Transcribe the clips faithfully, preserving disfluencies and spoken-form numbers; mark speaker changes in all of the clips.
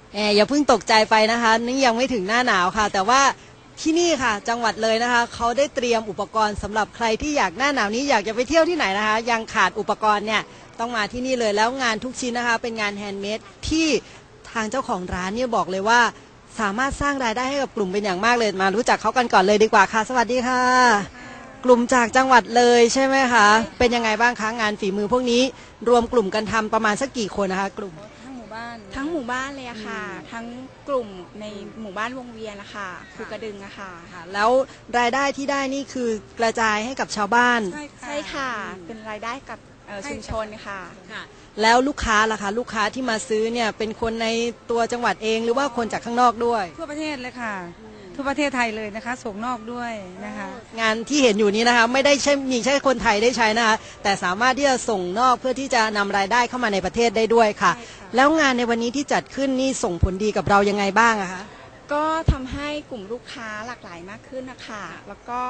Speaker 1: แอบอย่าเพิ่งตกใจไปนะคะนี่ยังไม่ถึงหน้าหนาวค่ะแต่ว่าที่นี่ค่ะจังหวัดเลยนะคะเขาได้เตรียมอุปกรณ์สำหรับใครที่อยากหน้าหนาวนี้อยากจะไปเที่ยวที่ไหนนะคะยังขาดอุปกรณ์เนี่ยต้องมาที่นี่เลยแล้วงานทุกชิ้นนะคะเป็นงานแฮนด์เมดที่ทางเจ้าของร้านเนี่ยบอกเลยว่าสามารถสร้างรายได้ให้กับกลุ่มเป็นอย่างมากเลยมารู้จักเขากันก่อนเลยดีกว่าค่ะสวัสดีค่ะกลุ่มจากจังหวัดเลยใช่ไหมคะเป็นยังไงบ้างคะงานฝีมือพวกนี้รวมกลุ่มกันทำประมาณสักกี่คนนะคะกลุ่ม
Speaker 2: ทั้งหมู่บ้านทั้งหมู่บ้านเลยอะค่ะทั้งกลุ่มในหมู่บ้านวงเวียนนะคะภูกระดึงอะค่ะ
Speaker 1: แล้วรายได้ที่ได้นี่คือกระจายให้กับชาวบ้าน
Speaker 2: ใช่ค่ะเป็นรายได้กับชุมชนค่ะ
Speaker 1: แล้วลูกค้าล่ะคะลูกค้าที่มาซื้อเนี่ยเป็นคนในตัวจังหวัดเองหรือว่าคนจากข้างนอกด้วย
Speaker 3: ทั่วประเทศเลยค่ะทั่วประเทศไทยเลยนะคะส่งนอกด้วยนะคะ
Speaker 1: งานที่เห็นอยู่นี้นะคะไม่ได้ใช่มีแค่คนไทยได้ใช้นะคะแต่สามารถที่จะส่งนอกเพื่อที่จะนำรายได้เข้ามาในประเทศได้ด้วยค่ะแล้วงานในวันนี้ที่จัดขึ้นนี่ส่งผลดีกับเรายังไงบ้างอะคะ
Speaker 2: ก็ทำให้กลุ่มลูกค้าหลากหลายมากขึ้นนะคะแล้วก็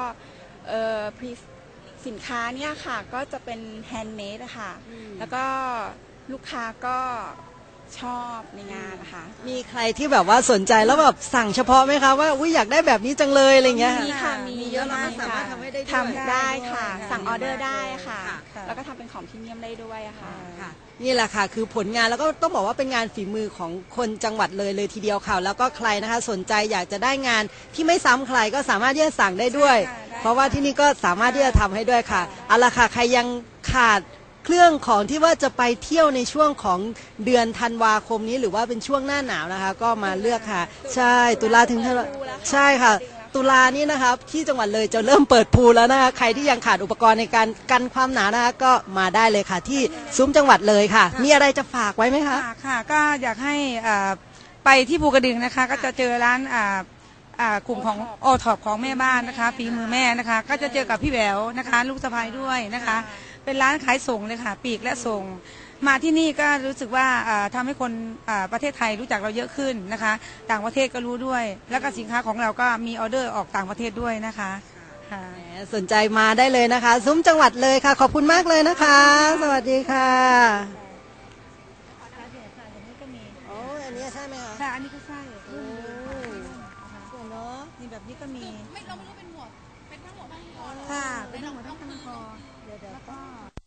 Speaker 2: สินค้าเนี่ยค่ะก็จะเป็นแฮนด์เมดนะคะแล้วก็ลูกค้าก็ชอบในงานนะคะ
Speaker 1: มีใครที่แบบว่าสนใจแล้วแบบสั่งเฉพาะไหมคะว่าอุ้ยอยากได้แบบนี้จังเลยอะไรเงี้ย
Speaker 2: มีค่ะมีเยอะมากสามารถทำให้ได้ทำได้ค่ะสั่งออเดอร์ได้ค่ะแล้วก็ทำเป็นของพรีเมียมได้ด้วยค่ะ
Speaker 1: นี่แหละค่ะคือผลงานแล้วก็ต้องบอกว่าเป็นงานฝีมือของคนจังหวัดเลยเลยทีเดียวค่ะแล้วก็ใครนะคะสนใจอยากจะได้งานที่ไม่ซ้ำใครก็สามารถที่จะสั่งได้ด้วยเพราะว่าที่นี่ก็สามารถที่จะทำให้ด้วยค่ะเอาละค่ะใครยังขาดเครื่องของที่ว่าจะไปเที่ยวในช่วงของเดือนธันวาคมนี้หรือว่าเป็นช่วงหน้าหนาวนะคะก็มาเลือกค่ะใช่ตุลาถึงใช่ค่ะตุลานี้นะครับที่จังหวัดเลยจะเริ่มเปิดพูลแล้วนะคะใครที่ยังขาดอุปกรณ์ในการกันความหนาวนะคะก็มาได้เลยค่ะที่ซุ้มจังหวัดเลยค่ะมีอะไรจะฝากไว้ไหมคะ
Speaker 3: ค่ะก็อยากให้ไปที่ภูกระดึงนะคะก็จะเจอร้านกลุ่มของโอท็อปของแม่บ้านนะคะฝีมือแม่นะคะก็จะเจอกับพี่แหววนะคะลูกสะใภ้ด้วยนะคะเป็นร้านขายส่งเลยค่ะปีกและส่งมาที่นี่ก็รู้สึกว่าทำให้คนประเทศไทยรู้จักเราเยอะขึ้นนะคะต่างประเทศก็รู้ด้วยแล้วก็สินค้าของเราก็มีออเดอร์ออกต่างประเทศด้วยนะคะ
Speaker 1: สนใจมาได้เลยนะคะซุ้มจังหวัดเลยค่ะขอบคุณมากเลยนะคะสวัสดีค่ะโอ้อันนี้ใช่ไหมคะ
Speaker 3: ใช่อันนี้ก็ใช่
Speaker 1: โอ้เนาะ
Speaker 3: นี่แบบนี้ก็มี
Speaker 4: ไม่เราไม่รู้เป็นหมวดเป็นทั้งหมดทั้งคอ
Speaker 3: ค่ะเป็นทั้งหมดทั้งคอเดี๋ยวเดี๋ยวก็